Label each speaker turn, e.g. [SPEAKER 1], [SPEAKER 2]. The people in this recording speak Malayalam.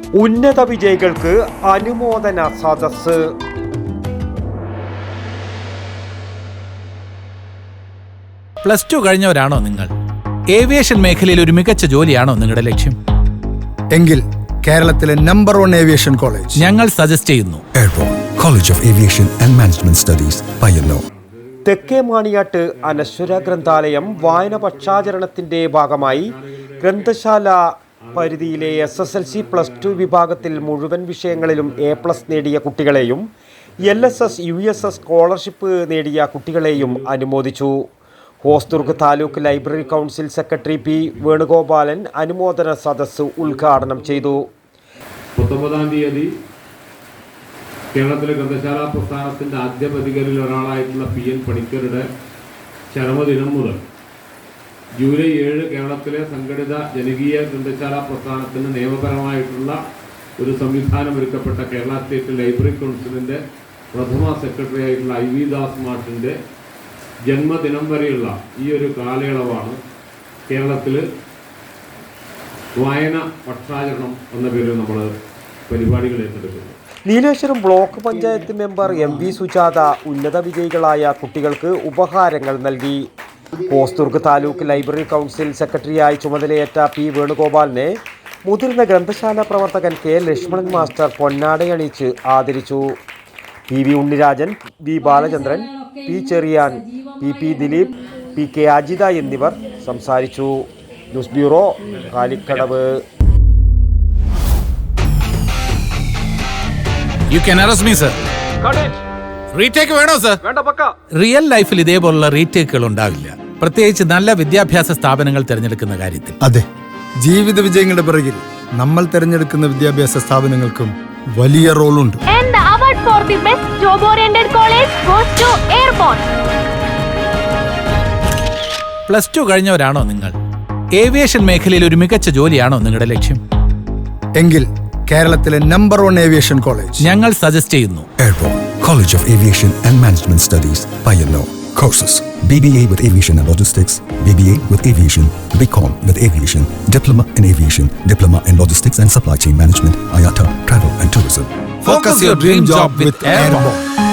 [SPEAKER 1] ഉന്നത വിജയികൾക്ക് അനുമോദന സദസ്സ്.
[SPEAKER 2] പ്ലസ് ടു കഴിഞ്ഞവരാണോ നിങ്ങൾ? ഏവിയേഷൻ മേഖലയിൽ ഒരു മികച്ച ജോലിയാണോ നിങ്ങളുടെ ലക്ഷ്യം?
[SPEAKER 3] എങ്കിൽ കേരളത്തിലെ നമ്പർ 1 ഏവിയേഷൻ കോളേജ്
[SPEAKER 2] ഞങ്ങൾ സജസ്റ്റ് ചെയ്യുന്നു.
[SPEAKER 4] Airport college of aviation and management studies, Payyanur.
[SPEAKER 1] തെക്കേ മാണിയാട്ട് അനശ്വര ഗ്രന്ഥാലയം വായന പക്ഷാചരണത്തിന്റെ ഭാഗമായി ഗ്രന്ഥശാല പരിധിയിലെ SSLC +2 വിഭാഗത്തിൽ മുഴുവൻ വിഷയങ്ങളിലും A+ നേടിയ കുട്ടികളെയും LSS USS സ്കോളർഷിപ്പ് നേടിയ കുട്ടികളെയും അനുമോദിച്ചു. Hosdurg taluk library council secretary P. Venugopalan അനുമോദന സദസ്സ് ഉദ്ഘാടനം ചെയ്തു.
[SPEAKER 5] 19-ാം തീയതി കേരളത്തിലെ ഗ്രന്ഥശാല പ്രസ്ഥാനത്തിൻ്റെ ആദ്യ പ്രതികരിൽ ഒരാളായിട്ടുള്ള PN പണിക്കരുടെ ചരമദിനം മുതൽ ജൂലൈ 7 കേരളത്തിലെ സംഘടിത ജനകീയ ഗ്രന്ഥശാല പ്രസ്ഥാനത്തിന് നിയമപരമായിട്ടുള്ള ഒരു സംവിധാനം ഒരുക്കപ്പെട്ട കേരള സ്റ്റേറ്റ് ലൈബ്രറി കൗൺസിലിൻ്റെ പ്രഥമ സെക്രട്ടറി ആയിട്ടുള്ള IV ദാസ് മാഷിൻ്റെ ജന്മദിനം വരെയുള്ള ഈ ഒരു കാലയളവാണ് കേരളത്തിൽ വായന പക്ഷാചരണം എന്ന പേരിൽ നമ്മൾ പരിപാടികൾ ഏറ്റെടുക്കുന്നത്.
[SPEAKER 1] Nileshwaram block panchayat member MV Sujatha ഉന്നത വിജയികളായ കുട്ടികൾക്ക് ഉപഹാരങ്ങൾ നൽകി. ഹോസ്ദുർഗ് താലൂക്ക് ലൈബ്രറി കൗൺസിൽ സെക്രട്ടറിയായി ചുമതലയേറ്റ P. വേണുഗോപാലിനെ മുതിർന്ന ഗ്രന്ഥശാല പ്രവർത്തകൻ K. ലക്ഷ്മണൻ മാസ്റ്റർ പൊന്നാടയണിയിച്ച് ആദരിച്ചു. PV ഉണ്ണിരാജൻ, V. Balachandran, P. Cherian, PP Dileep, PK Ajitha എന്നിവർ സംസാരിച്ചു. News bureau, Kalikkadavu.
[SPEAKER 2] You can arrest me, sir. Retake വേണോ സർ? റിയൽ ലൈഫിൽ ഇതേപോലുള്ള റീടേക്കുകൾ ഉണ്ടാവില്ല, പ്രത്യേകിച്ച് നല്ല വിദ്യാഭ്യാസ സ്ഥാപനങ്ങൾ തിരഞ്ഞെടുക്കുന്ന കാര്യത്തിൽ.
[SPEAKER 3] അതെ, ജീവിത വിജയങ്ങളുടെ പിറകിൽ നമ്മൾ തിരഞ്ഞെടുക്കുന്ന വിദ്യാഭ്യാസ സ്ഥാപനങ്ങൾക്കും വലിയ റോളുണ്ട്.
[SPEAKER 6] And the award for the best job oriented college goes to Airborne.
[SPEAKER 2] Plus two കഴിഞ്ഞവരാണോ നിങ്ങൾ? ഏവിയേഷൻ മേഖലയിൽ ഒരു മികച്ച ജോലിയാണോ നിങ്ങളുടെ ലക്ഷ്യം?
[SPEAKER 3] എങ്കിൽ കേരളത്തിലെ നമ്പർ 1 ഏവിയേഷൻ കോളേജ്
[SPEAKER 2] ഞങ്ങൾ സജസ്റ്റ് ചെയ്യുന്നു.
[SPEAKER 4] Airport college of aviation and management studies, Payyanur. Courses: BBA with Aviation and Logistics, BBA with Aviation, BCom with Aviation, Diploma in Aviation, Diploma in Logistics and Supply Chain Management, IATA, Travel and Tourism.
[SPEAKER 2] Focus your dream job with Airborne.